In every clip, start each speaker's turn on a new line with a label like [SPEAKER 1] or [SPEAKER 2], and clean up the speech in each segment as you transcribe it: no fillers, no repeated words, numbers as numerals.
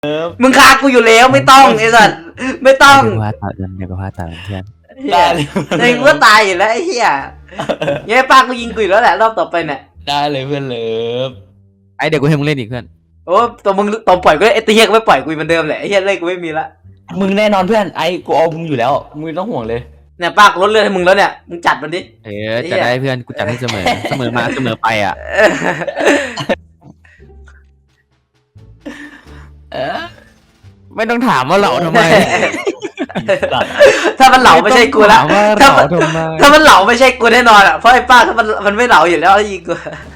[SPEAKER 1] มึงฆ่ากูอยู่แล้วไม่ต้องไอ้สัสไม่ต้อง
[SPEAKER 2] เดี๋ยวก็พาตัดเดี๋ยวก็พาตัดเพื่อน
[SPEAKER 1] ได้เลยกูก็ตายอยู่แล้วไอ้เหี้ยเย้ป้ากูยิงกูอยู่แล้วแหละรอบต่อไปเนี่ย
[SPEAKER 3] ได้เลยเพื่อนเลิฟ
[SPEAKER 2] ไอเดี๋ยวกูให้มึงเล่นอีกเพื่อน
[SPEAKER 1] โอ้ตัวมึงตอนปล่อยกูไอ้ตีเฮียก็ไม่ปล่อยกูเหมือนเดิมแหละไอ้เฮียเล่นกูไม่มีละ
[SPEAKER 3] มึงแน่นอนเพื่อนไอ้กูเอามึงอยู่แล้วมึงไม่ต้องห่วงเลย
[SPEAKER 1] เนี่ยป้ากูลดเลือดให้มึงแล้วเนี่ยมึงจัดมันดิ
[SPEAKER 2] จะได้เพื่อนกูจัดให้เสมอเสมอมาเสมอไปอ่ะ ไม่ต้องถามว่าเราทำไม
[SPEAKER 1] ถ้ามันเหลาไม่ใช่กูละ
[SPEAKER 2] ถ้า
[SPEAKER 1] ถ้า
[SPEAKER 2] มั
[SPEAKER 1] มัน น
[SPEAKER 2] ทำไม
[SPEAKER 1] ถ้ามันเหลาไม่ใช่กูแน่นอนอ่ะเพราะไอ้ป้าถ้ามันไม่เหลาอยู่แล้วยิงกู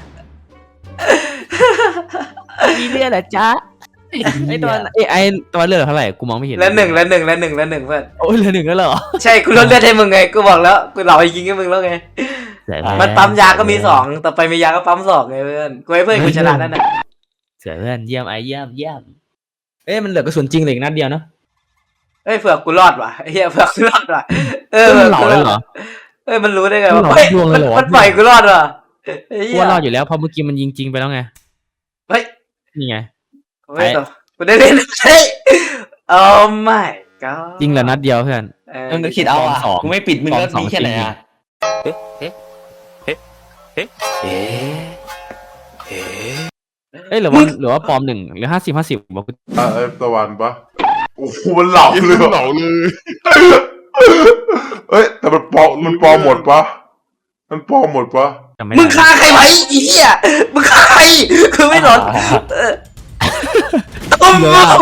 [SPEAKER 2] มีเลือดเหรอจ๊ะไอตอนไอตัวเลือดเท่าไหร่กูมองไม่เห็น
[SPEAKER 1] แล้วหนึ่งเพื่อน
[SPEAKER 2] โอ้ยเหลือหนึ่งแล้วเหรอ
[SPEAKER 1] ใช่กูลดเลือดให้มึงไงกูบอกแล้วกูเหลายิงให้มึงแล้วไงมันปั๊มยาก็มี2ต่อไปมียาก็ปั๊ม2ไงเพื่อนกูให้เพื่อนกูชนะนั่นน่ะ
[SPEAKER 2] เสือเพื่อนเยี่ยมไอเยี่ยมเอ้ยมันเหลือกระสุนจริงเหลืออีกนัดเดียวเนาะ
[SPEAKER 1] เอ้ยเผื่อกูรอดว่ะไอ้เหี้ยเผื่อกูรอดว่ะ
[SPEAKER 2] มันเหล่าเลยเหรอ
[SPEAKER 1] เอ้ยมันรู้ได้ไง
[SPEAKER 2] มัน
[SPEAKER 1] วะ
[SPEAKER 2] เหลา
[SPEAKER 1] เฮ้ย
[SPEAKER 2] ดวงเลยเหรอ
[SPEAKER 1] มันปล่อยกูรอดว่ะไอ้
[SPEAKER 2] กู
[SPEAKER 1] เหี้ย
[SPEAKER 2] ว่ารอดอยู่แล้วเพราะเมื่อกี้มันยิงจริงไปแล้วไง
[SPEAKER 1] เฮ้ย
[SPEAKER 2] นี่ไง
[SPEAKER 1] ไม่ต่อกูได้เล่นเฮ้ยโอ้ my god
[SPEAKER 2] จริงเหลือนัดเดียวเพื่อน
[SPEAKER 3] มึงก็คิดเอาอ่ะ
[SPEAKER 2] สอง
[SPEAKER 3] กูไม่ปิดมึงก็
[SPEAKER 2] สอง
[SPEAKER 3] มีแค่ไหนอ่ะ
[SPEAKER 2] เอ้ยหรือว่าปลอม1หรือ50บอกกู
[SPEAKER 4] ไอ้ตะวันปะโอ้โหมันเหลาเลยเหลาเลยเอ้ยแต่มันปลอมหมดปะมันปลอมหมดปะ
[SPEAKER 2] จำไม่
[SPEAKER 1] มึง
[SPEAKER 2] ได้
[SPEAKER 1] ฆ่าใครไว้ไอ้เหี้ยมึงฆ่าใครคือไม่หลอนโอ้โห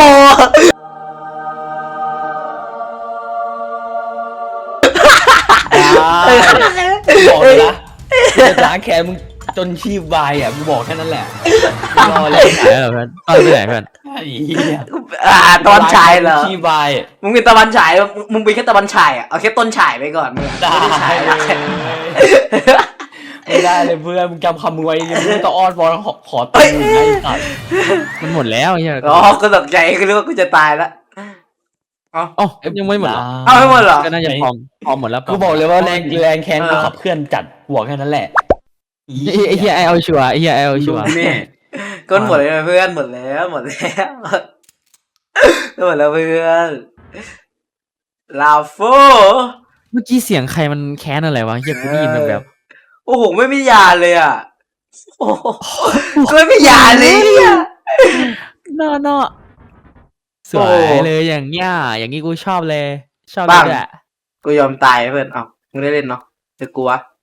[SPEAKER 3] บอกเลยนะจะล้างแค้นมึงจนชีพวายอ่ะกูบอกแค่นั้นแหละรอเลย
[SPEAKER 2] ไหนเหรอเพื่อนตอนไปไหนเพื่อน
[SPEAKER 3] ไอ้เหี้ย
[SPEAKER 1] ตอนฉายเหรอ
[SPEAKER 3] ชีพวาย
[SPEAKER 1] มึงเป็นตะวันฉายมึงเป็นแค่ตะวันฉายอ่ะเอาแค่ต้นฉายไปก่อนมึง
[SPEAKER 3] ได้
[SPEAKER 1] ไม่ได้ฉาย
[SPEAKER 3] เลยไม่ได้เลยเพื่อนมึงจำคำมึงไว้ยังไม่ต้องอ้อนวอนขอตีมึงไอ้สัตว์
[SPEAKER 2] มันหมดแล้วไอ้เหี้ย
[SPEAKER 1] อ๋อกูตกใจกูรู้ว่ากูจะตายแล้ว
[SPEAKER 2] อ๋อยังไม่หมดเหรอ
[SPEAKER 1] เอาไม่หมดเหรอ
[SPEAKER 2] ก็น่าจะพอหมดแล้ว
[SPEAKER 3] กูบอกเลยว่าแรงแค้นกูขับเคลื่อนจัดกูบอกแค่นั้นแหละ
[SPEAKER 2] ไอ้เหี้ยไอเอาชัวร์ไอ้เหี้ยไอเอาชัวร์
[SPEAKER 1] นี่ก็หมดเลยเพื่อนหมดแล้วหมดแล้วเพื่อนลาโฟ
[SPEAKER 2] เมื่อกี้เสียงใครมันแค้นอะไรวะเหี้ยกูได้ยินแบบ
[SPEAKER 1] โอ้โหไม่มียาเลยอ่ะโอ้โหกูไม่มียาเลยอ่ะ
[SPEAKER 2] นอสวยเลยอย่างเงี้ยอย่างงี้กูชอบเลยชอบเลยแหละ
[SPEAKER 1] กูยอมตายเพื่อนเอ้ามึงได้เล่นเนาะจะกลัว